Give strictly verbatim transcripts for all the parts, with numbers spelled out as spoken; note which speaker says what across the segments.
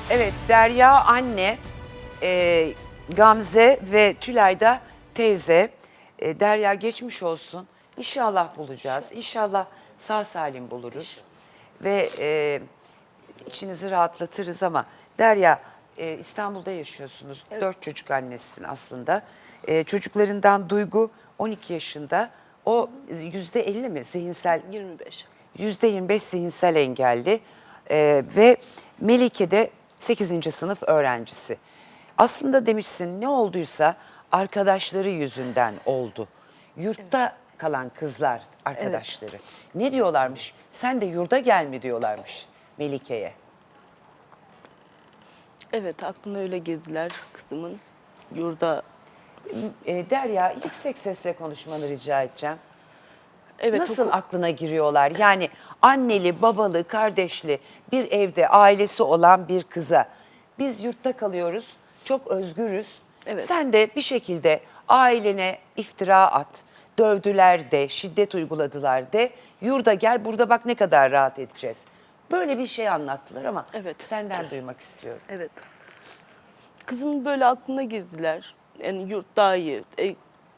Speaker 1: Evet, Derya anne, e, Gamze ve Tülay da teyze. E, Derya geçmiş olsun. İnşallah bulacağız. İnşallah sağ salim buluruz. Ve e, içinizi rahatlatırız ama Derya e, İstanbul'da yaşıyorsunuz.
Speaker 2: Evet.
Speaker 1: Dört çocuk annesisin aslında. E, çocuklarından Duygu on iki yaşında. O yüzde elli mi zihinsel?
Speaker 2: yirmi beş.
Speaker 1: yüzde yirmi beş zihinsel engelli Ee, ve Melike de sekizinci sınıf öğrencisi. Aslında demişsin ne olduysa arkadaşları yüzünden oldu. Yurtta kalan kızlar arkadaşları. Ne diyorlarmış? Sen de yurda gel mi diyorlarmış Melike'ye.
Speaker 2: Evet, aklına öyle girdiler kızımın. Yurda,
Speaker 1: Ee, Derya yüksek sesle konuşmanı rica edeceğim.
Speaker 2: evet,
Speaker 1: Nasıl
Speaker 2: oku-
Speaker 1: aklına giriyorlar? Yani anneli, babalı, kardeşli bir evde ailesi olan bir kıza biz yurtta kalıyoruz, çok özgürüz.
Speaker 2: Evet.
Speaker 1: Sen de bir şekilde ailene iftira at, dövdüler de, şiddet uyguladılar de, yurda gel burada bak ne kadar rahat edeceğiz. Böyle bir şey anlattılar ama
Speaker 2: Evet.
Speaker 1: senden duymak istiyorum.
Speaker 2: evet. Kızımın böyle aklına girdiler. Yani yurt daha iyi. E,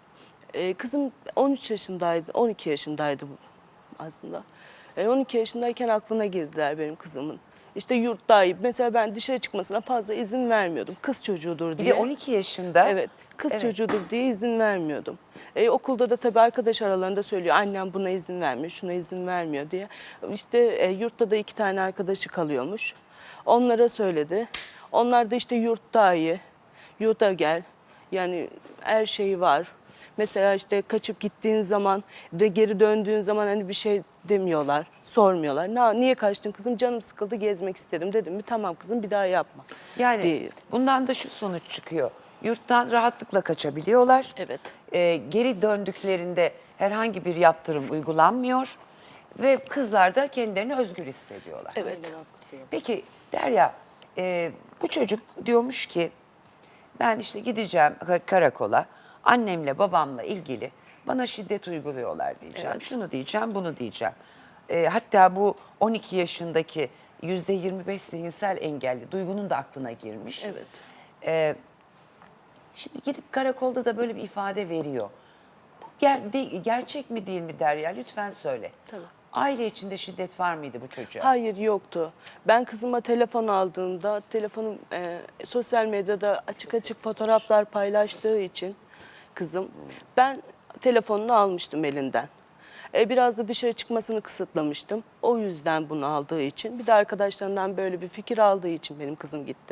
Speaker 2: e, kızım on üç yaşındaydı, on iki yaşındaydı bu aslında. E, on iki yaşındayken aklına girdiler benim kızımın. İşte yurt daha iyi. Mesela ben dışarı çıkmasına fazla izin vermiyordum. Kız çocuğudur
Speaker 1: Bir
Speaker 2: diye.
Speaker 1: de on iki yaşında.
Speaker 2: Evet, kız
Speaker 1: Evet.
Speaker 2: çocuğudur diye izin vermiyordum. E, okulda da tabii arkadaş aralarında söylüyor, annem buna izin vermiyor, şuna izin vermiyor diye. İşte e, yurtta da iki tane arkadaşı kalıyormuş. Onlara söyledi. Onlar da işte yurt daha iyi, yurda gel. Yani her şeyi var. Mesela işte kaçıp gittiğin zaman de geri döndüğün zaman hani bir şey demiyorlar, sormuyorlar. Na, niye kaçtın kızım? Canım sıkıldı, gezmek istedim dedim mi? Tamam kızım, bir daha yapma.
Speaker 1: Yani
Speaker 2: diye.
Speaker 1: bundan da şu sonuç çıkıyor. Yurttan rahatlıkla kaçabiliyorlar.
Speaker 2: Evet.
Speaker 1: Ee, geri döndüklerinde herhangi bir yaptırım uygulanmıyor. Ve kızlar da kendilerini özgür hissediyorlar.
Speaker 2: Evet.
Speaker 1: Peki Derya, e, bu çocuk diyormuş ki ben işte gideceğim kar- karakola, annemle babamla ilgili bana şiddet uyguluyorlar diyeceğim.
Speaker 2: Evet.
Speaker 1: Şunu diyeceğim, bunu diyeceğim. E, hatta bu on iki yaşındaki yüzde yirmi beş zihinsel engelli Duygu'nun da aklına girmiş.
Speaker 2: Evet.
Speaker 1: E, şimdi gidip karakolda da böyle bir ifade veriyor. Bu ger- de- gerçek mi değil mi Derya? Lütfen söyle.
Speaker 2: Tabii.
Speaker 1: Aile içinde şiddet var mıydı bu çocuğa?
Speaker 2: Hayır, yoktu. Ben kızıma telefon aldığımda telefonum e, sosyal medyada açık açık fotoğraflar paylaştığı için kızım ben telefonunu almıştım elinden. E, biraz da dışarı çıkmasını kısıtlamıştım. O yüzden bunu aldığı için bir de arkadaşlarından böyle bir fikir aldığı için benim kızım gitti.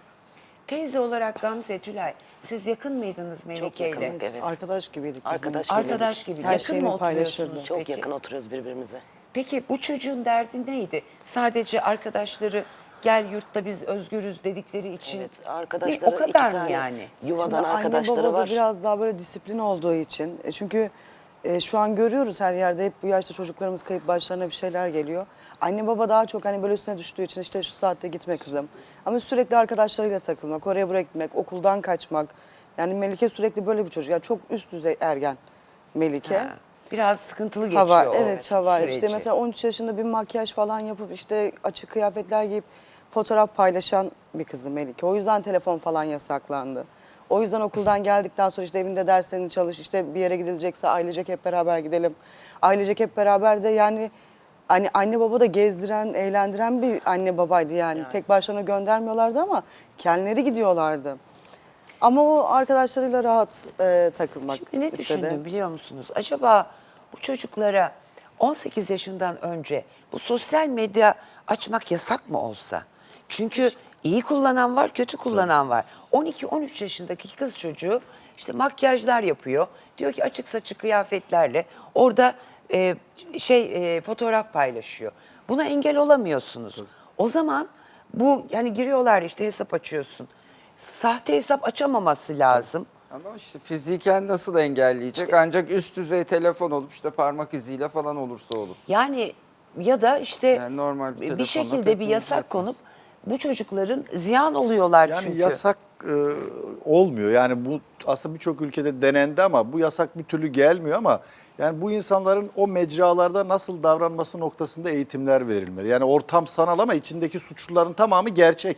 Speaker 1: Teyze olarak Gamze, Tülay, siz yakın mıydınız Melike ile?
Speaker 3: yakındık, evet.
Speaker 4: Arkadaş gibiydik biz.
Speaker 3: Arkadaş
Speaker 4: bunun.
Speaker 3: gibiydik.
Speaker 1: Arkadaş gibi.
Speaker 4: Her
Speaker 1: yakın
Speaker 4: şeyini
Speaker 1: mı oturuyorsunuz
Speaker 4: paylaşırdı.
Speaker 3: Çok
Speaker 1: peki?
Speaker 3: yakın oturuyoruz birbirimize.
Speaker 1: Peki bu çocuğun derdi neydi? Sadece arkadaşları gel yurtta biz özgürüz dedikleri için.
Speaker 3: Evet,
Speaker 1: Ne,
Speaker 3: arkadaşları
Speaker 1: o kadar
Speaker 3: iki
Speaker 1: mı
Speaker 3: tane
Speaker 1: yani?
Speaker 3: yuvadan
Speaker 4: Şimdi
Speaker 3: arkadaşları
Speaker 4: anne baba
Speaker 3: var.
Speaker 4: da biraz daha böyle disiplin olduğu için. E çünkü e, şu an görüyoruz her yerde hep bu yaşta çocuklarımız kayıp başlarına bir şeyler geliyor. Anne baba daha çok hani böyle üstüne düştüğü için işte şu saatte gitme kızım. Ama sürekli arkadaşlarıyla takılmak, oraya buraya gitmek, okuldan kaçmak. Yani Melike sürekli böyle bir çocuk. Yani çok üst düzey ergen Melike.
Speaker 1: Ha, biraz sıkıntılı geçiyor
Speaker 4: Hava,
Speaker 1: o
Speaker 4: evet hava.
Speaker 1: süreci.
Speaker 4: İşte mesela on üç yaşında bir makyaj falan yapıp işte açık kıyafetler giyip fotoğraf paylaşan bir kızdı Melike. O yüzden telefon falan yasaklandı. O yüzden okuldan geldikten sonra işte evinde derslerini çalış, işte bir yere gidilecekse ailecek hep beraber gidelim. Ailecek hep beraber de yani hani anne baba da gezdiren, eğlendiren bir anne babaydı yani.
Speaker 3: Yani.
Speaker 4: Tek başlarına göndermiyorlardı ama kendileri gidiyorlardı. Ama o arkadaşlarıyla rahat e, takılmak
Speaker 1: Şimdi ne
Speaker 4: istedi.
Speaker 1: düşündüm biliyor musunuz? Acaba bu çocuklara on sekiz yaşından önce bu sosyal medya açmak yasak mı olsa? Çünkü iyi kullanan var, kötü kullanan var. on iki on üç yaşındaki kız çocuğu işte makyajlar yapıyor. Diyor ki açık saçık kıyafetlerle orada e, şey e, fotoğraf paylaşıyor. Buna engel olamıyorsunuz. O zaman bu yani giriyorlar işte hesap açıyorsun. Sahte hesap açamaması lazım.
Speaker 5: Ama işte fiziken nasıl engelleyecek? Ancak üst düzey telefon olup işte parmak iziyle falan olursa olur.
Speaker 1: Yani ya da işte
Speaker 5: Yani normal bir
Speaker 1: bir,
Speaker 5: telefonla
Speaker 1: şekilde bir
Speaker 5: teknoloji
Speaker 1: yasak
Speaker 5: yetmez.
Speaker 1: konup bu çocukların ziyan oluyorlar
Speaker 6: Yani
Speaker 1: çünkü.
Speaker 6: yasak e, olmuyor. Yani bu aslında birçok ülkede denendi ama bu yasak bir türlü gelmiyor ama yani bu insanların o mecralarda nasıl davranması noktasında eğitimler verilmeli. Yani ortam sanal ama içindeki suçluların tamamı gerçek.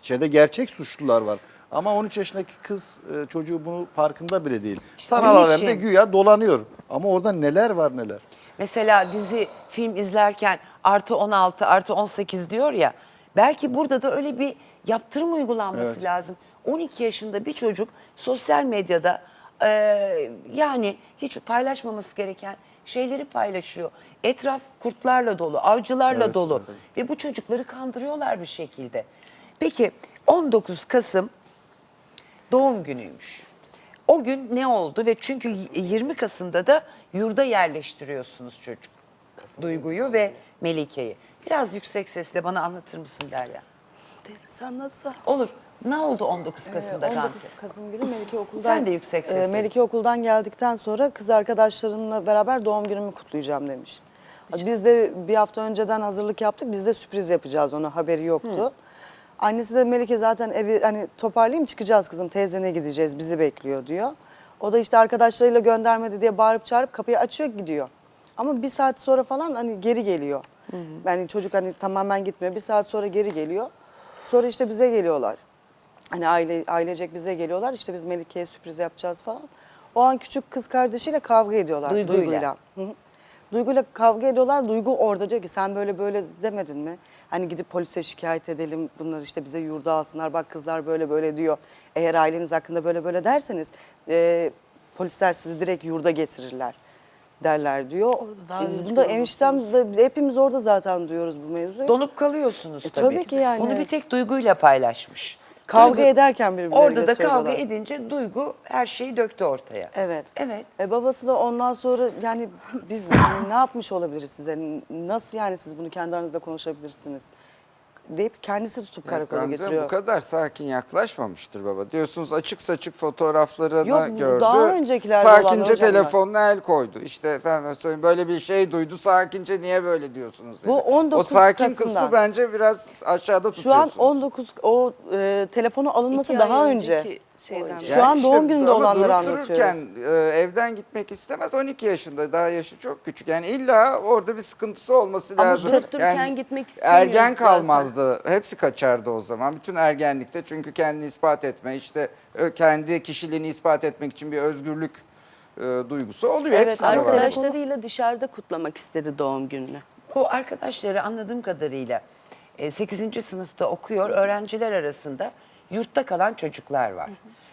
Speaker 6: İçeride gerçek suçlular var. Ama on üç yaşındaki kız e, çocuğu bunu farkında bile değil. Sanal
Speaker 1: onun
Speaker 6: alemde
Speaker 1: için-
Speaker 6: güya dolanıyor. Ama orada neler var neler.
Speaker 1: Mesela dizi, film izlerken artı on altı, artı on sekiz diyor ya. Belki burada da öyle bir yaptırım uygulanması
Speaker 6: Evet.
Speaker 1: lazım. on iki yaşında bir çocuk sosyal medyada e, yani hiç paylaşmaması gereken şeyleri paylaşıyor. Etraf kurtlarla dolu, avcılarla
Speaker 6: Evet,
Speaker 1: dolu
Speaker 6: evet.
Speaker 1: ve bu çocukları kandırıyorlar bir şekilde. Peki on dokuz Kasım doğum günüymüş. O gün ne oldu ve çünkü yirmi Kasım'da da yurda yerleştiriyorsunuz çocuk. Duygu'yu ve Melike'yi. Biraz yüksek sesle bana anlatır mısın Derya?
Speaker 2: Teyze sen nasıl?
Speaker 1: Olur. Ne oldu on dokuz Kasım'da
Speaker 4: Ee, on
Speaker 1: Gamze?
Speaker 4: dokuz Kasım günü Melike okuldan
Speaker 1: Sen de yüksek sesle.
Speaker 4: e, Melike okuldan geldikten sonra kız arkadaşlarımla beraber doğum günümü kutlayacağım demiş. Biz de bir hafta önceden hazırlık yaptık. Biz de sürpriz yapacağız, ona haberi yoktu. Annesi de Melike zaten evi hani toparlayayım çıkacağız kızım, teyzene gideceğiz, bizi bekliyor diyor. O da işte arkadaşlarıyla göndermedi diye bağırıp çağırıp kapıyı açıyor gidiyor. Ama bir saat sonra falan hani geri geliyor. Yani çocuk hani tamamen gitmiyor. Bir saat sonra geri geliyor. Sonra işte bize geliyorlar. Hani aile ailecek bize geliyorlar. İşte biz Melike'ye sürpriz yapacağız falan. O an küçük kız kardeşiyle kavga ediyorlar.
Speaker 1: Duyguyla.
Speaker 4: Duyguyla. Hı hı. Duyguyla kavga ediyorlar. Duygu orada diyor ki sen böyle böyle demedin mi? Hani gidip polise şikayet edelim. Bunlar işte bize yurda alsınlar. Bak kızlar böyle böyle diyor. Eğer aileniz hakkında böyle böyle derseniz e, polisler sizi direkt yurda getirirler derler diyor.
Speaker 2: Orada daha
Speaker 4: E,
Speaker 2: özgür
Speaker 4: Bunda eniştem
Speaker 2: olursunuz.
Speaker 4: de- hepimiz orada zaten duyuyoruz bu mevzuyu.
Speaker 1: Donup kalıyorsunuz
Speaker 4: E,
Speaker 1: tabii.
Speaker 4: tabii ki yani.
Speaker 1: Bunu bir tek Duygu'yla paylaşmış.
Speaker 4: Kavga ederken birbirleriyle
Speaker 1: Orada da kavga
Speaker 4: söylüyorlar.
Speaker 1: edince Duygu her şeyi döktü ortaya.
Speaker 4: Evet.
Speaker 1: Evet.
Speaker 4: E babası da ondan sonra yani biz ne yapmış olabiliriz size? Nasıl yani siz bunu kendi aranızda konuşabilirsiniz? Deyip kendisi tutup
Speaker 5: Ya
Speaker 4: karakola
Speaker 5: Gamze
Speaker 4: getiriyor.
Speaker 5: bu kadar sakin yaklaşmamıştır baba. Diyorsunuz açık saçık fotoğraflarını
Speaker 4: Yok, bu
Speaker 5: gördü.
Speaker 4: daha öncekilerde olanlar
Speaker 5: Sakince
Speaker 4: hocam
Speaker 5: telefonuna el koydu. İşte efendim söyleyeyim böyle bir şey duydu. Sakince niye böyle diyorsunuz dedi.
Speaker 4: Bu on dokuz
Speaker 5: o sakin
Speaker 4: Kasım'da.
Speaker 5: kısmı bence biraz aşağıda
Speaker 4: Şu an
Speaker 5: tutuyorsunuz.
Speaker 4: on dokuz o e, telefonu alınması
Speaker 2: İki
Speaker 4: daha
Speaker 2: ay
Speaker 4: önce.
Speaker 2: önceki şeyden.
Speaker 4: Şu an doğum gününde
Speaker 5: ama
Speaker 4: olanları
Speaker 5: durup
Speaker 4: anlatıyorum.
Speaker 5: dururken e, evden gitmek istemez. on iki yaşında, daha yaşı çok küçük. Yani illa orada bir sıkıntısı olması
Speaker 2: Ama
Speaker 5: lazım.
Speaker 2: durup dururken gitmek istemiyor
Speaker 5: Ergen
Speaker 2: zaten.
Speaker 5: kalmazdı. Hepsi kaçardı o zaman. Bütün ergenlikte çünkü kendini ispat etme, işte ö, kendi kişiliğini ispat etmek için bir özgürlük e, duygusu oluyor.
Speaker 4: Evet,
Speaker 5: Hepsinde
Speaker 4: ama
Speaker 5: var.
Speaker 2: Arkadaşlarıyla dışarıda kutlamak istedi doğum gününü.
Speaker 1: Bu arkadaşları anladığım kadarıyla e, sekizinci sınıfta okuyor. Öğrenciler arasında yurtta kalan çocuklar var.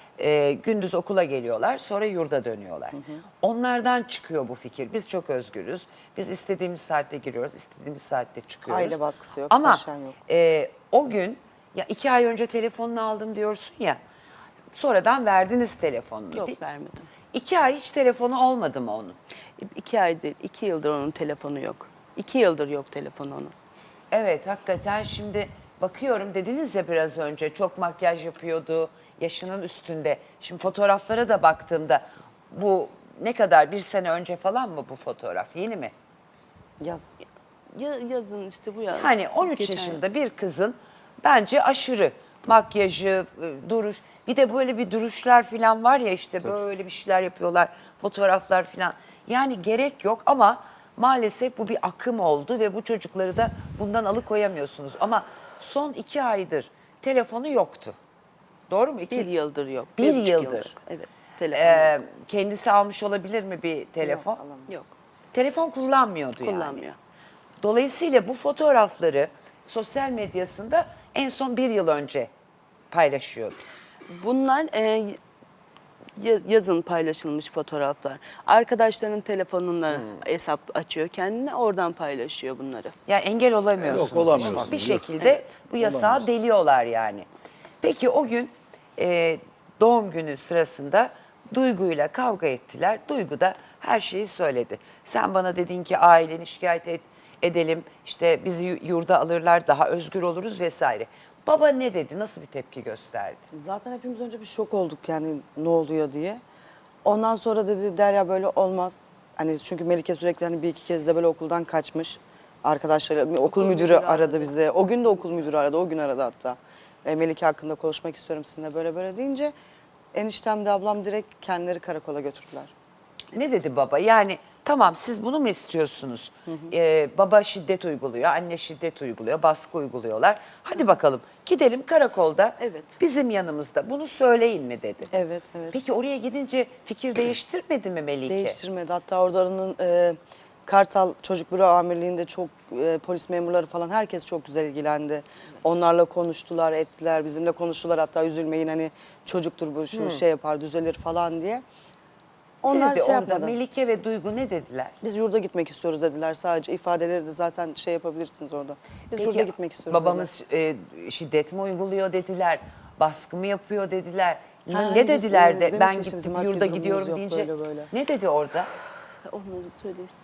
Speaker 1: E, gündüz okula geliyorlar, sonra yurda dönüyorlar. Onlardan çıkıyor bu fikir. Biz çok özgürüz. Biz istediğimiz saatte giriyoruz, istediğimiz saatte çıkıyoruz.
Speaker 4: Aile baskısı yok,
Speaker 1: Ama
Speaker 4: taşıyan yok.
Speaker 1: e, o gün ya iki ay önce telefonunu aldım diyorsun ya. Sonradan verdiniz telefonunu.
Speaker 2: Yok,
Speaker 1: değil-
Speaker 2: vermedim.
Speaker 1: İki ay hiç telefonu olmadı mı onun?
Speaker 2: İki ay değil, iki yıldır onun telefonu yok. İki yıldır yok telefonu onun.
Speaker 1: Evet, hakikaten şimdi bakıyorum dediniz ya biraz önce çok makyaj yapıyordu, yaşının üstünde. Şimdi fotoğraflara da baktığımda bu ne kadar, bir sene önce falan mı bu fotoğraf, yeni mi?
Speaker 4: Yaz.
Speaker 2: Ya, yazın işte bu yaz.
Speaker 1: Hani on üç
Speaker 2: Geçen
Speaker 1: yaşında
Speaker 2: yaz.
Speaker 1: bir kızın bence aşırı makyajı, e, duruş, bir de böyle bir duruşlar falan var ya işte böyle bir şeyler yapıyorlar, fotoğraflar falan. Yani gerek yok ama maalesef bu bir akım oldu ve bu çocukları da bundan alıkoyamıyorsunuz. Ama son iki aydır telefonu yoktu. Doğru mu? İki,
Speaker 2: Bir yıldır yok.
Speaker 1: Bir
Speaker 2: buçuk
Speaker 1: yıldır.
Speaker 2: Evet, telefonu
Speaker 1: Ee,
Speaker 2: yok.
Speaker 1: kendisi almış olabilir mi bir telefon?
Speaker 2: Yok,
Speaker 1: Telefon kullanmıyordu yani.
Speaker 2: kullanmıyor.
Speaker 1: Dolayısıyla bu fotoğrafları sosyal medyasında en son bir yıl önce paylaşıyordu.
Speaker 2: Bunlar e, ya- yazın paylaşılmış fotoğraflar. Arkadaşlarının telefonuna
Speaker 1: Hmm.
Speaker 2: hesap açıyor kendine, oradan paylaşıyor bunları.
Speaker 1: Yani engel olamıyorsunuz.
Speaker 6: Yok, olamıyorsunuz.
Speaker 1: Bir
Speaker 6: Yok.
Speaker 1: şekilde bu yasağı deliyorlar yani. Peki o gün e, doğum günü sırasında Duygu'yla kavga ettiler. Duygu da her şeyi söyledi. Sen bana dedin ki aileni şikayet et, edelim, işte bizi yu- yurda alırlar, daha özgür oluruz vesaire. Baba ne dedi? Nasıl bir tepki gösterdi?
Speaker 4: Zaten hepimiz önce bir şok olduk yani ne oluyor diye. Ondan sonra dedi Derya böyle olmaz. Hani çünkü Melike sürekli hani bir iki kez de böyle okuldan kaçmış. Arkadaşları, okul, müdürü,
Speaker 2: müdürü
Speaker 4: aradı,
Speaker 2: aradı.
Speaker 4: bize. O gün de okul müdürü aradı, o gün aradı hatta. E, Melike hakkında konuşmak istiyorum sizinle böyle böyle deyince eniştem de ablam direkt kendileri karakola götürdüler.
Speaker 1: Ne dedi baba? Yani Tamam, siz bunu mu istiyorsunuz? Ee, baba şiddet uyguluyor, anne şiddet uyguluyor, baskı uyguluyorlar. Hadi bakalım gidelim karakolda
Speaker 2: Evet.
Speaker 1: bizim yanımızda bunu söyleyin mi dedi.
Speaker 4: Evet, evet.
Speaker 1: Peki oraya gidince fikir değiştirmedi mi Melike?
Speaker 4: Değiştirmedi. Hatta oranın e, Kartal Çocuk Büro Amirliği'nde çok e, polis memurları falan herkes çok güzel ilgilendi. Onlarla konuştular, ettiler, bizimle konuştular. Hatta üzülmeyin hani çocuktur bu şu şey yapar düzelir falan diye. Onlar
Speaker 1: Dedi
Speaker 4: şey
Speaker 1: orada
Speaker 4: yapmadı.
Speaker 1: Melike ve Duygu ne dediler?
Speaker 4: Biz yurda gitmek istiyoruz dediler sadece. İfadeleri de zaten şey yapabilirsiniz orada. Biz
Speaker 1: Peki,
Speaker 4: yurda gitmek istiyoruz
Speaker 1: babamız e, şiddet mi uyguluyor dediler, baskı mı yapıyor dediler. Ne-
Speaker 4: Ha,
Speaker 1: ne
Speaker 4: hayır,
Speaker 1: dediler
Speaker 4: biz-
Speaker 1: de
Speaker 4: demiş
Speaker 1: ben
Speaker 4: ya işte
Speaker 1: gittim
Speaker 4: bizim maddi
Speaker 1: yurda
Speaker 4: durumumuz
Speaker 1: gidiyorum
Speaker 4: yok,
Speaker 1: deyince
Speaker 4: böyle böyle.
Speaker 1: ne dedi orada?
Speaker 2: Onları söyle işte.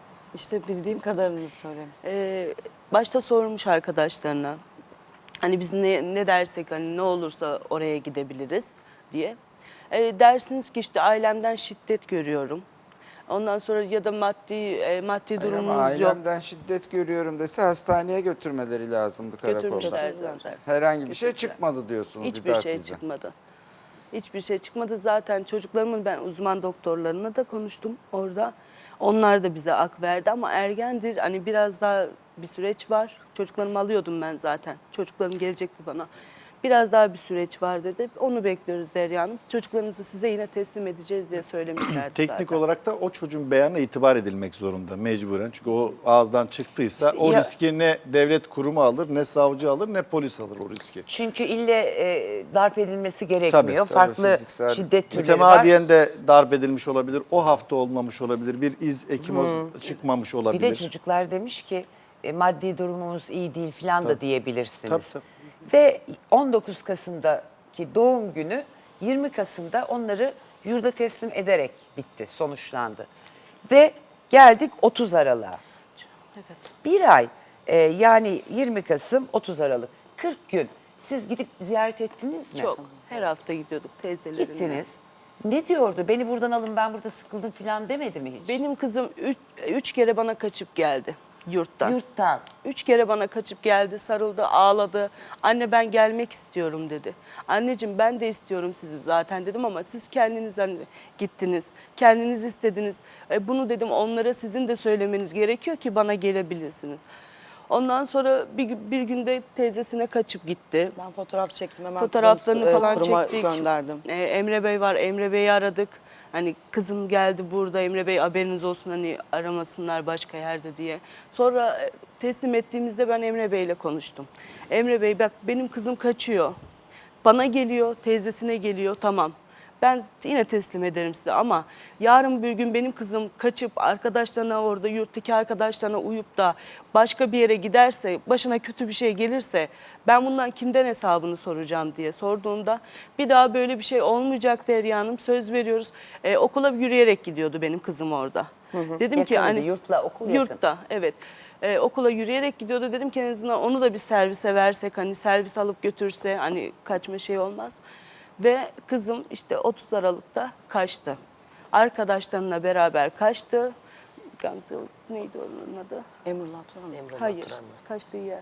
Speaker 4: İşte bildiğim kadarını söyleyeyim.
Speaker 2: Ee, başta sormuş arkadaşlarına. Hani biz ne, ne dersek hani ne olursa oraya gidebiliriz diye. Ee, dersiniz ki işte ailemden şiddet görüyorum. Ondan sonra ya da maddi e, maddi
Speaker 5: Hayır ama
Speaker 2: durumumuz yok.
Speaker 5: ailemden şiddet görüyorum dese hastaneye götürmeleri lazımdı karakolda.
Speaker 2: Götürmüşler zaten.
Speaker 5: Herhangi bir şey
Speaker 2: Götürdüler.
Speaker 5: çıkmadı diyorsunuz bir
Speaker 2: Hiçbir
Speaker 5: daha
Speaker 2: şey
Speaker 5: bize.
Speaker 2: çıkmadı. Hiçbir şey çıkmadı. Zaten çocuklarımın ben uzman doktorlarına da konuştum orada. Onlar da bize ak verdi ama ergendir. Hani biraz daha bir süreç var. Çocuklarımı alıyordum ben zaten. Çocuklarım gelecekti bana. Biraz daha bir süreç var dedi. Onu bekliyoruz Derya Hanım. Çocuklarınızı size yine teslim edeceğiz diye söylemişlerdi
Speaker 6: Teknik
Speaker 2: zaten.
Speaker 6: olarak da o çocuğun beyanına itibar edilmek zorunda mecburen. Çünkü o ağızdan çıktıysa o
Speaker 1: ya-
Speaker 6: riski ne devlet kurumu alır, ne savcı alır, ne polis alır o riski.
Speaker 1: Çünkü ille e, darp edilmesi gerekmiyor.
Speaker 6: tabii,
Speaker 1: Farklı
Speaker 5: fiziksel-
Speaker 1: şiddet türleri
Speaker 6: Mütemadiyen
Speaker 1: var.
Speaker 6: de darp edilmiş olabilir, o hafta olmamış olabilir, bir iz, ekimoz çıkmamış
Speaker 1: Bir
Speaker 6: olabilir.
Speaker 1: de çocuklar demiş ki e, maddi durumumuz iyi değil falan da
Speaker 6: Tabii.
Speaker 1: diyebilirsiniz.
Speaker 6: Tabii, tabii.
Speaker 1: Ve on dokuz Kasım'daki doğum günü yirmi Kasım'da onları yurda teslim ederek bitti, sonuçlandı. Ve geldik otuz Aralık'a.
Speaker 2: Evet.
Speaker 1: Bir ay e, yani yirmi Kasım otuz Aralık kırk gün siz gidip ziyaret ettiniz mi?
Speaker 2: Çok. Her hafta gidiyorduk teyzelerine.
Speaker 1: Gittiniz. Ne diyordu? Beni buradan alın ben burada sıkıldım falan demedi mi hiç?
Speaker 2: Benim kızım üç, üç kere bana kaçıp geldi yurttan.
Speaker 1: Yurttan.
Speaker 2: Üç kere bana kaçıp geldi, sarıldı, ağladı. Anne ben gelmek istiyorum dedi. Anneciğim ben de istiyorum sizi zaten dedim ama siz kendiniz hani gittiniz. Kendiniz istediniz. E, bunu dedim onlara sizin de söylemeniz gerekiyor ki bana gelebilirsiniz. Ondan sonra bir, bir günde teyzesine kaçıp gitti.
Speaker 4: Ben fotoğraf çektim hemen.
Speaker 2: Fotoğraflarını
Speaker 4: kızın, e,
Speaker 2: falan
Speaker 4: kuruma
Speaker 2: çektik.
Speaker 4: gönderdim.
Speaker 2: Ee, Emre Bey var. Emre Bey'i aradık. Hani kızım geldi burada. Emre Bey haberiniz olsun hani aramasınlar başka yerde diye. Sonra e, teslim ettiğimizde ben Emre Bey'le konuştum. Emre Bey bak benim kızım kaçıyor. Bana geliyor, teyzesine geliyor. Tamam. Ben yine teslim ederim size ama yarın bir gün benim kızım kaçıp arkadaşlarına orada yurttaki arkadaşlarına uyup da başka bir yere giderse, başına kötü bir şey gelirse ben bundan kimden hesabını soracağım diye sorduğumda bir daha böyle bir şey olmayacak Derya Hanım söz veriyoruz. Ee, okula yürüyerek gidiyordu benim kızım orada. Dedim ki
Speaker 1: Yakındı,
Speaker 2: hani
Speaker 1: yurtla okul yakın.
Speaker 2: yurtta evet. Ee, okula yürüyerek gidiyordu. Dedim ki en azından onu da bir servise versek hani servis alıp götürse hani kaçma şey olmaz. Ve kızım işte otuz Aralık'ta kaçtı. Arkadaşlarına beraber kaçtı. Gamze neydi onun adı?
Speaker 4: Emrullah Abdullah mı?
Speaker 2: Hayır. Kaçtığı yer.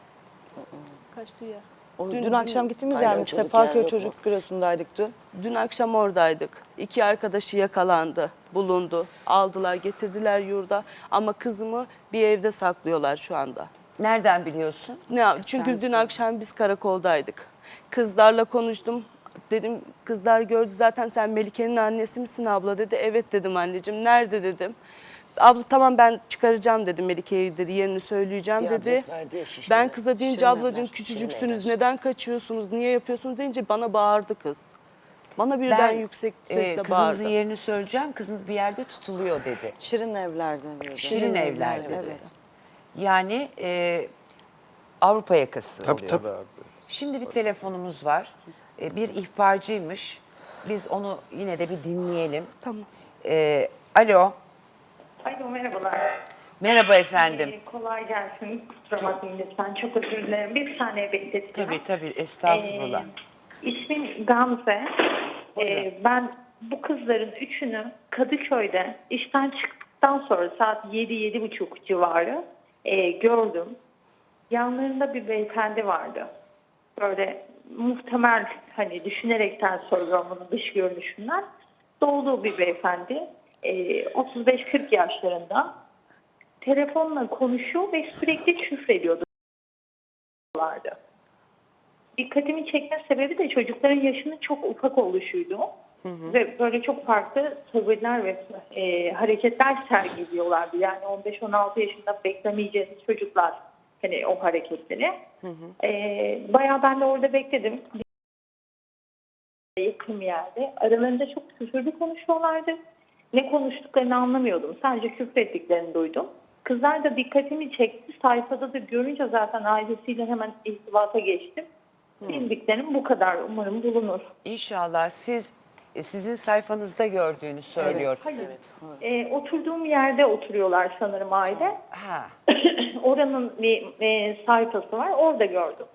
Speaker 2: Kaçtığı yer.
Speaker 4: O, dün,
Speaker 2: Dün-
Speaker 4: akşam
Speaker 2: dün-
Speaker 4: gittiğimiz
Speaker 3: Aynen,
Speaker 4: yer mi?
Speaker 3: çocuk
Speaker 4: Sefaköy
Speaker 3: yer yok
Speaker 4: Çocuk Bürosu'ndaydık dün.
Speaker 2: Dün akşam oradaydık. İki arkadaşı yakalandı, bulundu. Aldılar, getirdiler yurda. Ama kızımı bir evde saklıyorlar şu anda.
Speaker 1: Nereden biliyorsun?
Speaker 2: Ne, çünkü dün
Speaker 4: kendisi.
Speaker 2: akşam biz karakoldaydık. Kızlarla konuştum. Dedim kızlar gördü zaten sen Melike'nin annesi misin abla dedi. Evet dedim anneciğim. Nerede dedim. Abla tamam ben çıkaracağım dedi Melike'yi dedi yerini söyleyeceğim
Speaker 3: Bir
Speaker 2: dedi.
Speaker 3: adres verdi ya, Şişli'de.
Speaker 2: Ben kıza deyince
Speaker 4: Şirin
Speaker 2: ablacığım
Speaker 4: Evler.
Speaker 2: küçücüksünüz
Speaker 3: Şirin Evler.
Speaker 2: neden kaçıyorsunuz niye yapıyorsunuz deyince bana bağırdı kız. Bana birden yüksek
Speaker 1: e,
Speaker 2: sesle
Speaker 1: kızınızın
Speaker 2: bağırdı.
Speaker 1: yerini söyleyeceğim. Kızınız bir yerde tutuluyor dedi.
Speaker 4: Şirin Evler'de. diyordu.
Speaker 1: Şirin evler dedi.
Speaker 4: Evet.
Speaker 1: Yani e, Avrupa yakası
Speaker 6: Tabii
Speaker 1: oluyor.
Speaker 6: tabii abi.
Speaker 1: Şimdi bir telefonumuz var. E, bir ihbarcıymış. Biz onu yine de bir dinleyelim.
Speaker 2: Tamam.
Speaker 1: E, alo.
Speaker 7: Alo merhabalar.
Speaker 1: Merhaba efendim.
Speaker 7: Ee, kolay gelsin. Kusura bakmayın lütfen. Çok özür dilerim. Bir saniye bekleteceğim.
Speaker 1: Tabii tabii estağfurullah.
Speaker 7: Ee, ismim Gamze.
Speaker 1: Buyurun.
Speaker 7: Ee, ben bu kızların üçünü Kadıköy'de işten çıktıktan sonra saat yedi yedi buçuk civarı e, gördüm. Yanlarında bir beyefendi vardı. Böyle muhtemel hani düşünerekten soruyorum bunu dış görünüşünden. Doğulu bir beyefendi. e, otuz beş kırk yaşlarında telefonla konuşuyor ve sürekli küfrediyordu. Dikkatimi çekme sebebi de çocukların yaşının çok ufak oluşuydu. Hı hı. Ve böyle çok farklı tavırlar ve e, hareketler sergiliyorlardı. Yani on beş on altı yaşında beklemeyeceğiniz çocuklar hani o hareketleri. Hı hı. E, bayağı ben de orada bekledim. Yakın bir yerde. Aralarında çok küfürlü konuşuyorlardı. Ne konuştuklarını anlamıyordum. Sadece küfrettiklerini duydum. Kızlar da dikkatimi çekti. Sayfada da görünce zaten ailesiyle hemen irtibata geçtim. Bildiklerim bu kadar. Umarım bulunur.
Speaker 1: İnşallah siz e, sizin sayfanızda gördüğünü söylüyor.
Speaker 7: Hayır. Ee, oturduğum yerde oturuyorlar sanırım aile.
Speaker 1: Ha.
Speaker 7: Oranın bir e, sayfası var. Orada gördüm.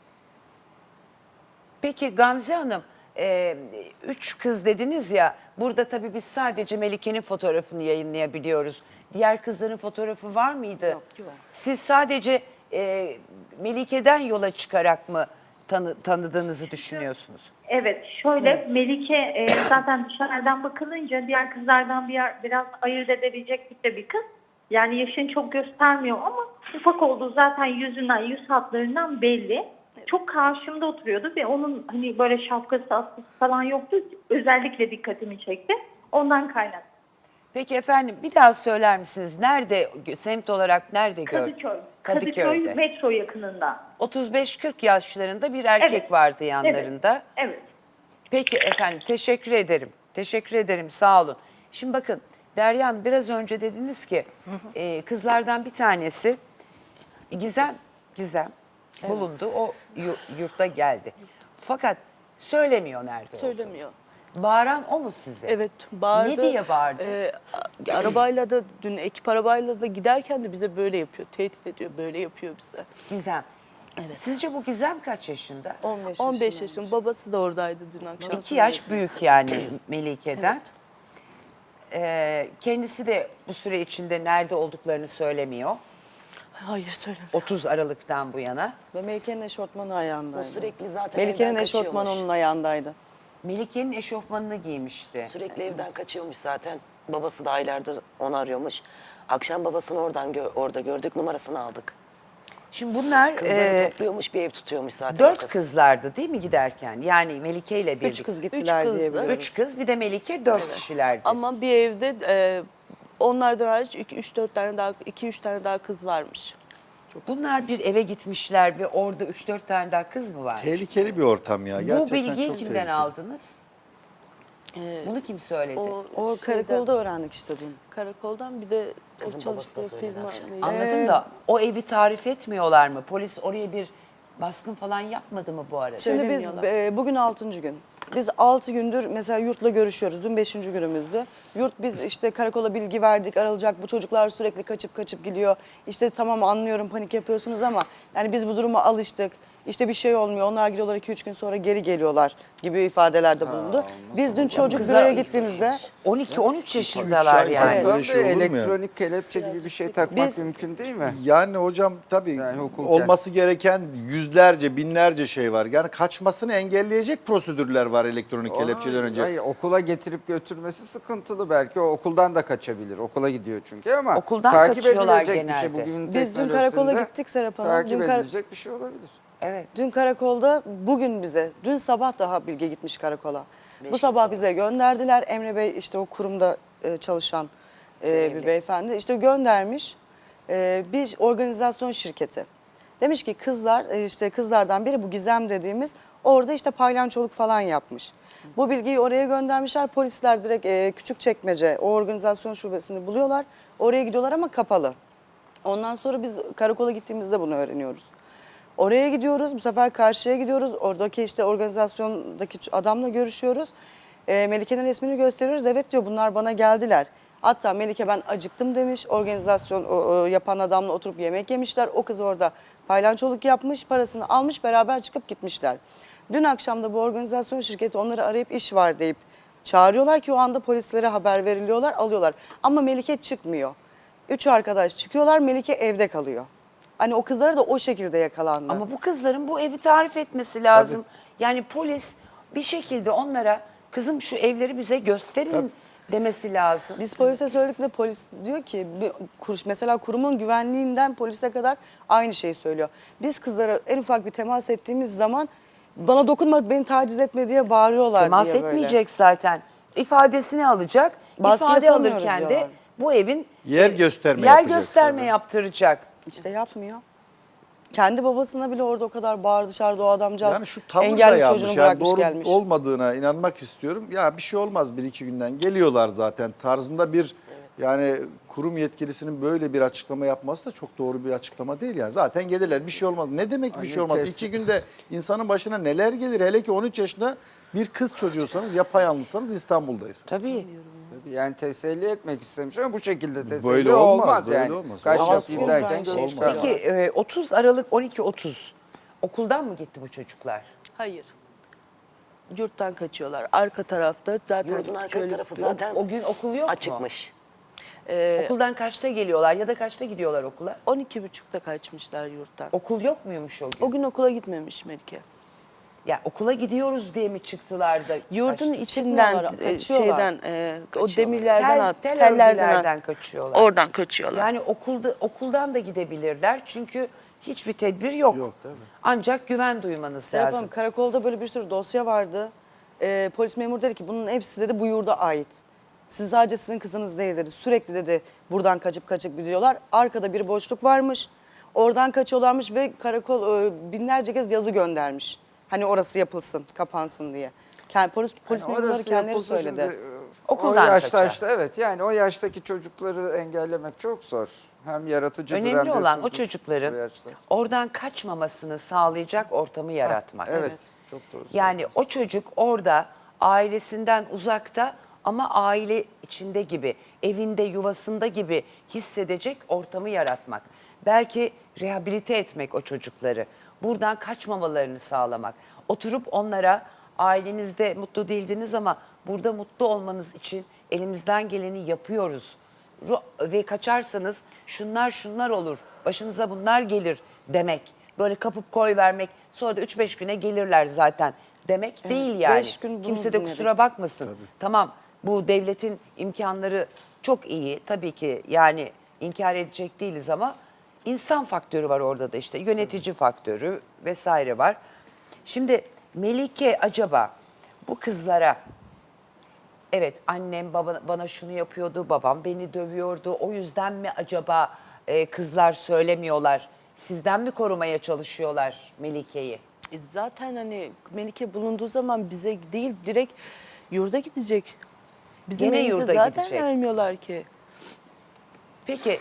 Speaker 1: Peki Gamze Hanım, e, üç kız dediniz ya, burada tabii biz sadece Melike'nin fotoğrafını yayınlayabiliyoruz. Diğer kızların fotoğrafı var mıydı? Yok, yok. Siz sadece e, Melike'den yola çıkarak mı tanı, tanıdığınızı düşünüyorsunuz?
Speaker 7: Evet, şöyle Melike e, zaten dışarıdan bakılınca diğer kızlardan bir yer, biraz ayırt edebilecek tipte bir kız. Yani yaşını çok göstermiyor ama ufak olduğu zaten yüzünden, yüz hatlarından belli. Evet. Çok karşımda oturuyordu ve onun hani böyle şapkası, askısı falan yoktu. Özellikle dikkatimi çekti. Ondan kaynaklı.
Speaker 1: Peki efendim bir daha söyler misiniz? Nerede, semt olarak nerede gördünüz?
Speaker 7: Kadıköy.
Speaker 1: Kadıköy'de.
Speaker 7: Kadıköy metro yakınında.
Speaker 1: otuz beş kırk yaşlarında bir erkek
Speaker 7: Evet.
Speaker 1: vardı yanlarında.
Speaker 7: Evet. Evet.
Speaker 1: Peki efendim teşekkür ederim. Teşekkür ederim sağ olun. Şimdi bakın Derya Hanım biraz önce dediniz ki e, kızlardan bir tanesi Gizem Gizem bulundu. O yu- yurtta geldi. Fakat söylemiyor nerede olduğunu.
Speaker 2: Söylemiyor.
Speaker 1: Bağıran o mu size?
Speaker 2: Evet, bağırdı.
Speaker 1: Ne diye bağırdı?
Speaker 2: Ee, arabayla da dün ekip arabayla da giderken de bize böyle yapıyor. Tehdit ediyor, böyle yapıyor bize.
Speaker 1: Gizem.
Speaker 2: Evet.
Speaker 1: Sizce bu Gizem kaç yaşında?
Speaker 4: on beş
Speaker 2: on beş
Speaker 4: yaşındaymış.
Speaker 2: yaşın babası da oradaydı dün akşam.
Speaker 1: İki yaş büyük yani Melike'den. Ee, kendisi de bu süre içinde nerede olduklarını söylemiyor.
Speaker 2: Hayır söylemiyor.
Speaker 1: otuz Aralık'tan bu yana.
Speaker 4: Ve Melike'nin eşortmanı ayağındaydı.
Speaker 3: O sürekli zaten
Speaker 4: Melike'nin
Speaker 3: evden
Speaker 4: eşortmanı
Speaker 3: kaçıyormuş.
Speaker 4: onun ayağındaydı.
Speaker 1: Melike'nin eşofmanını giymişti.
Speaker 3: Sürekli evden kaçıyormuş zaten. Babası da aylardır onu arıyormuş. Akşam babasını oradan gö- orada gördük, numarasını aldık.
Speaker 1: Şimdi bunlar
Speaker 3: Kızları
Speaker 1: e,
Speaker 3: topluyormuş, bir ev tutuyormuş zaten.
Speaker 1: dört
Speaker 3: kız.
Speaker 1: kızlardı değil mi giderken? Yani Melike ile birlikte.
Speaker 4: Üç kız gittiler
Speaker 2: kızdı.
Speaker 4: diye biliyoruz.
Speaker 1: Üç kız bir de Melike dört kişilerdi.
Speaker 2: Ama bir evde e, onlardan hariç üç dört tane daha, iki üç tane daha kız varmış.
Speaker 1: Bunlar bir eve gitmişler ve orada üç dört tane daha kız mı var?
Speaker 6: Tehlikeli bir ortam ya.
Speaker 1: Bu
Speaker 6: Gerçekten
Speaker 1: bilgiyi
Speaker 6: çok
Speaker 1: kimden
Speaker 6: tehlikeli.
Speaker 1: aldınız?
Speaker 2: Ee,
Speaker 1: Bunu kim söyledi?
Speaker 2: o
Speaker 4: O
Speaker 2: şeyden,
Speaker 4: karakolda öğrendik işte dün.
Speaker 2: karakoldan bir de
Speaker 3: Kızın
Speaker 2: o
Speaker 3: babası da
Speaker 2: çalıştığı
Speaker 3: söyledi
Speaker 2: firma.
Speaker 3: akşam.
Speaker 2: neydi?
Speaker 1: Anladım da o evi tarif etmiyorlar mı? Polis oraya bir baskın falan yapmadı mı bu arada?
Speaker 4: Şimdi biz
Speaker 2: Söylemiyorlar.
Speaker 4: e, bugün altıncı gün. Biz altı gündür mesela yurtla görüşüyoruz. Dün beşinci günümüzdü. Yurt biz işte karakola bilgi verdik, aralacak. Bu çocuklar sürekli kaçıp kaçıp gidiyor. İşte tamam anlıyorum panik yapıyorsunuz ama yani biz bu duruma alıştık. İşte bir şey olmuyor. Onlar gidiyorlar iki üç gün sonra geri geliyorlar gibi ifadelerde bulundu. Biz dün çocuk
Speaker 1: Kızlar-
Speaker 4: büroya gittiğimizde
Speaker 1: on iki on üç yaşındalar
Speaker 6: ay
Speaker 1: yani.
Speaker 6: Evet.
Speaker 5: Aslında
Speaker 6: Böyle şey olur mu ya?
Speaker 5: elektronik kelepçe gibi bir şey takmak
Speaker 4: Biz-
Speaker 5: mümkün değil mi?
Speaker 6: Yani hocam tabii
Speaker 5: Yani hukuken.
Speaker 6: olması gereken yüzlerce, binlerce şey var. Yani kaçmasını engelleyecek prosedürler var elektronik kelepçeden önce.
Speaker 5: Hayır, okula getirip götürmesi sıkıntılı belki. O okuldan da kaçabilir. Okula gidiyor çünkü ama
Speaker 1: Okuldan
Speaker 5: takip
Speaker 1: kaçıyorlar
Speaker 5: edilecek bir şey.
Speaker 1: genelde.
Speaker 5: Bugün
Speaker 4: Biz dün
Speaker 5: teknolojisinde
Speaker 4: karakola gittik Serap Hanım.
Speaker 5: Takip
Speaker 4: Dün kar-
Speaker 5: edilecek bir şey olabilir.
Speaker 1: Evet.
Speaker 4: Dün karakolda bugün bize, dün sabah daha bilgi gitmiş karakola. Bu sabah bize gönderdiler. Emre Bey işte o kurumda e, çalışan e, bir beyefendi işte göndermiş e, bir organizasyon şirketi. Demiş ki kızlar e, işte kızlardan biri bu Gizem dediğimiz orada işte paylançoluk falan yapmış. Bu bilgiyi oraya göndermişler. Polisler direkt e, Küçükçekmece o organizasyon şubesini buluyorlar. Oraya gidiyorlar ama kapalı. Ondan sonra biz karakola gittiğimizde bunu öğreniyoruz. Oraya gidiyoruz, bu sefer karşıya gidiyoruz. Oradaki işte organizasyondaki adamla görüşüyoruz. E, Melike'nin resmini gösteriyoruz. Evet diyor bunlar bana geldiler. Hatta Melike ben acıktım demiş. Organizasyon o, o, yapan adamla oturup yemek yemişler. O kız orada paylançoluk yapmış, parasını almış, beraber çıkıp gitmişler. Dün akşam da bu organizasyon şirketi onları arayıp iş var deyip çağırıyorlar ki o anda polislere haber veriliyorlar, alıyorlar. Ama Melike çıkmıyor. Üç arkadaş çıkıyorlar, Melike evde kalıyor. Hani o kızlara da o şekilde yakalandı.
Speaker 1: Ama bu kızların bu evi tarif etmesi lazım. Yani polis bir şekilde onlara kızım şu evleri bize gösterin. demesi lazım.
Speaker 4: Biz polise söyledik de polis diyor ki bir kuruş mesela kurumun güvenliğinden polise kadar aynı şeyi söylüyor. Biz kızlara en ufak bir temas ettiğimiz zaman bana dokunma, beni taciz etme diye bağırıyorlar
Speaker 1: Temas
Speaker 4: diye böyle.
Speaker 1: etmeyecek zaten. İfadesini alacak.
Speaker 4: Baskı
Speaker 1: İfade
Speaker 4: yapamıyoruz
Speaker 1: alırken de
Speaker 4: diyorlar.
Speaker 1: bu evin
Speaker 6: Yer gösterme
Speaker 1: yer
Speaker 6: yapacak
Speaker 1: gösterme
Speaker 6: tabii.
Speaker 1: yaptıracak.
Speaker 4: İşte yapmıyor. Kendi babasına bile orada o kadar bağır dışarıda o adamcağız.
Speaker 6: Yani şu tavır da
Speaker 4: engelli
Speaker 6: yanlış.
Speaker 4: çocuğunu
Speaker 6: Yani
Speaker 4: bırakmış
Speaker 6: doğru
Speaker 4: gelmiş.
Speaker 6: olmadığına inanmak istiyorum. Ya bir şey olmaz bir iki günden geliyorlar zaten tarzında bir yani kurum yetkilisinin böyle bir açıklama yapması da çok doğru bir açıklama değil yani. Zaten gelirler bir şey olmaz. Ne demek bir
Speaker 5: Aynen,
Speaker 6: şey olmaz?
Speaker 5: kesin.
Speaker 6: İki günde insanın başına neler gelir? Hele ki on üç yaşında bir kız çocuğusunuz, yapayalnızsanız İstanbul'dayız.
Speaker 1: Tabii.
Speaker 5: Tabii yani teselli etmek istemiş ama bu şekilde teselli
Speaker 6: Böyle
Speaker 5: olmaz,
Speaker 6: olmaz, böyle
Speaker 5: yani.
Speaker 6: olmaz.
Speaker 5: Kaç
Speaker 4: Altı
Speaker 5: yapayım
Speaker 4: gün
Speaker 5: derken
Speaker 4: bence
Speaker 5: göz
Speaker 4: olmaz.
Speaker 5: çıkarma.
Speaker 1: Peki e, otuz Aralık on iki otuz okuldan mı gitti bu çocuklar?
Speaker 2: Hayır. Yurttan kaçıyorlar. Arka tarafta zaten
Speaker 3: Yurdun arka
Speaker 2: şöyle-
Speaker 3: tarafı zaten
Speaker 1: O gün okul yok mu?
Speaker 3: açıkmış.
Speaker 1: Okuldan kaçta geliyorlar ya da kaçta gidiyorlar okula?
Speaker 2: on iki buçukta kaçmışlar yurttan.
Speaker 1: Okul yok muymuş o gün?
Speaker 2: O gün okula gitmemiş Melike.
Speaker 1: Ya okula gidiyoruz diye mi çıktılar da?
Speaker 2: Yurdun
Speaker 1: kaçtı?
Speaker 2: içinden,
Speaker 4: Çıkmıyorlar,
Speaker 2: e,
Speaker 4: kaçıyorlar.
Speaker 2: şeyden, e, o
Speaker 3: Kaçıyorlar.
Speaker 2: demirlerden,
Speaker 1: Tel,
Speaker 2: at,
Speaker 1: tel
Speaker 2: tellerden
Speaker 1: örgülerden
Speaker 2: at-
Speaker 1: kaçıyorlar.
Speaker 2: Oradan kaçıyorlar.
Speaker 1: Yani okulda okuldan da gidebilirler çünkü hiçbir tedbir yok.
Speaker 6: Yok, tabii.
Speaker 1: Ancak güven duymanız
Speaker 4: Serap
Speaker 1: lazım.
Speaker 4: Hanım, karakolda böyle bir sürü dosya vardı. Ee, polis memuru dedi ki bunun hepsi dedi bu yurda ait. Siz sadece sizin kızınız değil dedi. Sürekli dedi buradan kaçıp kaçıp gidiyorlar. Arkada bir boşluk varmış. Oradan kaçıyorlarmış ve karakol e, binlerce kez yazı göndermiş. Hani orası yapılsın, kapansın diye. Kend, polis polis
Speaker 5: Yani
Speaker 4: memurları
Speaker 5: orası
Speaker 4: kendileri
Speaker 5: yapılsa
Speaker 4: söyledi.
Speaker 5: şimdi, e,
Speaker 1: Okuldan
Speaker 5: o yaşta
Speaker 1: kaçar.
Speaker 5: işte, evet yani o yaştaki çocukları engellemek çok zor. Hem yaratıcıdır hem
Speaker 1: Önemli
Speaker 5: de
Speaker 1: olan o
Speaker 5: surdur
Speaker 1: çocukların
Speaker 5: bu yaşta.
Speaker 1: oradan kaçmamasını sağlayacak ortamı yaratmak.
Speaker 5: Evet, çok doğru
Speaker 1: Yani
Speaker 5: söylüyorsun.
Speaker 1: o çocuk orada ailesinden uzakta ama aile içinde gibi, evinde, yuvasında gibi hissedecek ortamı yaratmak. Belki rehabilite etmek o çocukları. Buradan kaçmamalarını sağlamak. Oturup onlara ailenizde mutlu değildiniz ama burada mutlu olmanız için elimizden geleni yapıyoruz. Ru- Ve kaçarsanız şunlar şunlar olur, başınıza bunlar gelir demek. Böyle kapıp koy vermek, sonra da üç beş güne gelirler zaten demek değil yani.
Speaker 4: beş gün bunu
Speaker 1: Kimse de
Speaker 4: dinledik.
Speaker 1: kusura bakmasın. Tamam, bu devletin imkanları çok iyi. Tabii ki yani inkar edecek değiliz ama insan faktörü var orada da işte. Yönetici faktörü vesaire var. Şimdi Melike acaba bu kızlara evet annem baba, bana şunu yapıyordu, babam beni dövüyordu. O yüzden mi acaba e, kızlar söylemiyorlar? Sizden mi korumaya çalışıyorlar Melike'yi?
Speaker 2: E zaten hani Melike bulunduğu zaman bize değil direkt yurda gidecek. Bizim
Speaker 1: Gene
Speaker 2: elimize
Speaker 1: yurda
Speaker 2: zaten
Speaker 1: gidecek.
Speaker 2: vermiyorlar ki.
Speaker 1: Peki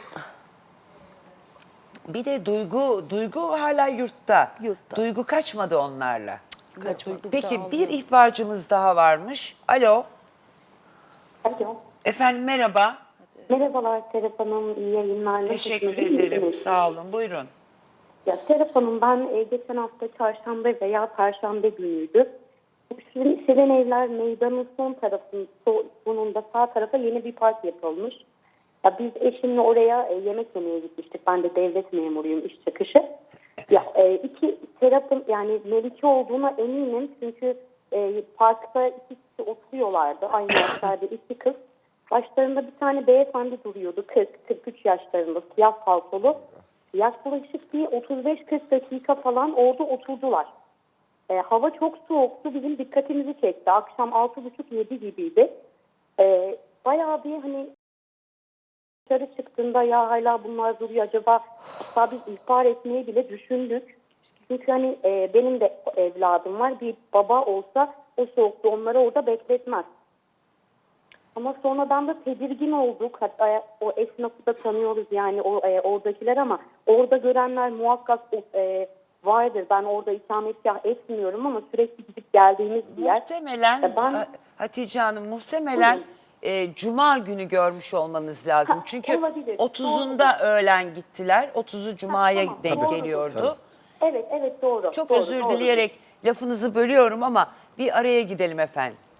Speaker 1: bir de Duygu, Duygu hala yurtta.
Speaker 2: Yurtta.
Speaker 1: Duygu kaçmadı onlarla.
Speaker 2: Kaçmadı.
Speaker 1: Peki bir ihbarcımız daha varmış. Alo.
Speaker 8: Alo.
Speaker 1: Efendim merhaba.
Speaker 8: Merhabalar Serap Hanım, iyi yayınlar.
Speaker 1: Teşekkür
Speaker 8: Nasılsınız? İyi
Speaker 1: ederim.
Speaker 8: misiniz?
Speaker 1: Sağ olun. Buyurun.
Speaker 8: Ya Serap Hanım, ben e, geçen hafta çarşamba veya perşembe günüydü. Şirin, Şirin Evler Meydanı'nın son tarafının so- sonunda sağ tarafa yeni bir park yapılmış. Ya biz eşimle oraya e, yemek yemeye gitmiştik. Ben de devlet memuruyum, iş çıkışı. Ya e, iki Serap'ın yani Melike olduğuna eminim çünkü e, parkta iki kişi oturuyorlardı. Aynı yaşlarda iki kız. Başlarında bir tane beyefendi duruyordu. kırk kırk üç yaşlarında, siyah paltolu. Yaklaşık bir otuz beş kırk dakika falan orada oturdular. E, hava çok soğuktu. Bizim dikkatimizi çekti. Akşam altı buçuk yedi gibiydi. E, bayağı bir hani dışarı çıktığında ya hala bunlar duruyor acaba, hatta biz ihbar etmeyi bile düşündük. Çünkü hani e, benim de evladım var. Bir baba olsa o soğukta onları orada bekletmez. Ama sonradan da tedirgin olduk. Hatta o esnafı da tanıyoruz yani o e, oradakiler ama orada görenler muhakkak e, vardır. Ben orada ikametgah etmiyorum ama sürekli gidip geldiğimiz bir yer.
Speaker 1: Muhtemelen
Speaker 8: E, ben-
Speaker 1: Ha- Hatice Hanım muhtemelen
Speaker 8: Buyurun.
Speaker 1: e, Cuma günü görmüş olmanız lazım.
Speaker 8: Ha,
Speaker 1: Çünkü
Speaker 8: olabilir.
Speaker 1: otuzunda öğlen gittiler. otuzu Cuma'ya
Speaker 8: tamam.
Speaker 1: denk
Speaker 8: Tabii.
Speaker 1: geliyordu.
Speaker 8: Evet evet doğru.
Speaker 1: Çok
Speaker 8: doğru,
Speaker 1: özür
Speaker 8: doğru.
Speaker 1: dileyerek lafınızı bölüyorum ama bir araya gidelim efendim.